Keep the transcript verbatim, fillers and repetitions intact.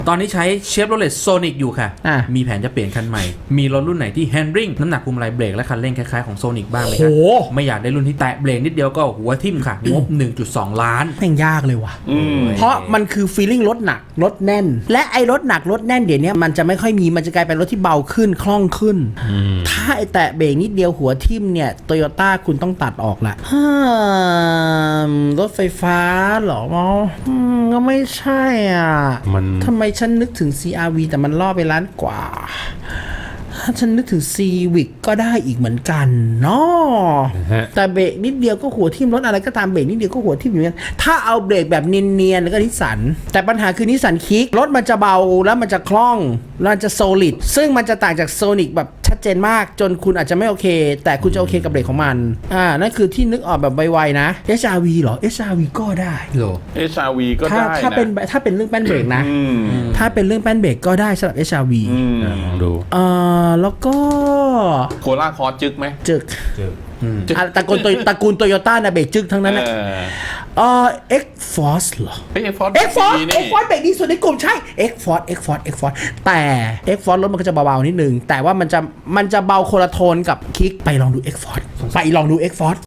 ตอนนี้ใช้ Chevrolet Sonic อยู่ค่ะอ่ะมีแผนจะเปลี่ยนคันใหม่มีรถรุ่นไหนที่ handling น้ำหนักพวงมาลัยเบรกและคันเร่งคล้ายๆของ Sonic บ้างไหมโหคะไม่อยากได้รุ่นที่แตะเบรกนิดเดียวก็หัวทิ่มค่ะงบ หนึ่งจุดสอง ล้านแม่งยากเลยว่ะอืมเพราะมันคือ feeling รถหนักรถแน่น และไอ้รถหนักรถแน่นเดี๋ยวนี้มันจะไม่ค่อยมีมันจะกลายเป็นรถที่เบาขึ้นคล่องขึ้น ถ้าไอ้แตะเบรกนิดเดียวหัวทิ่มเนี่ยโตโยต้าคุณต้องตัดออกละฮ่ามรถไฟฟ้าเหรออืมก็ไม่ใช่อ่ะมันทำไมฉันนึกถึง ซี อาร์ วี แต่มันล่อไปล้านกว่า ถ้าฉันนึกถึง Civic ก็ได้อีกเหมือนกันเนาะฮะแต่เบรกนิดเดียวก็หัวทิ่มรถอะไรก็ตามเบรกนิดเดียวก็หัวทิ่มอยู่กันถ้าเอาเบรกแบบเนียนๆก็นิสสันแต่ปัญหาคือนิสสันคิกรถมันจะเบาแล้วมันจะคล่องแล้วมันจะโซลิดซึ่งมันจะต่างจากโซนิกแบบชัดเจนมากจนคุณอาจจะไม่โอเค แต่คุณจะโอเคกับเบรกของมันอ่านั่นคือที่นึกออกแบบไวๆนะ เอช อาร์ วี เหรอ เอช อาร์ วี ก็ได้โลเอช อาร์ วี ก็ถ้าได้ถ้าเป็นนะถ้าเป็นเรื่องแป้นเบรกนะอืมถ้าเป็นเรื่องแป้นเบรกก็ได้สำหรับ เอช อาร์ วีอืมลองดูเอ่อแล้วก็โคราคอร์จึกไหมจึกจึกอ่ะตระกูลโตตระกูลโตโยต้านะเบรกจึกทั้งนั้นนะเออเอ่อ X Force เหรอเฮ้ย X Force X Force นี่ X Force เบรกดีสุดในกลุ่มใช่ X Force X Force X Force แต่ X Force รถมันก็จะเบาๆนิดนึง แต่ว่ามันจะมันจะเบาคนละโทนกับคิกไปลองดู X Force ไปลองดู X Force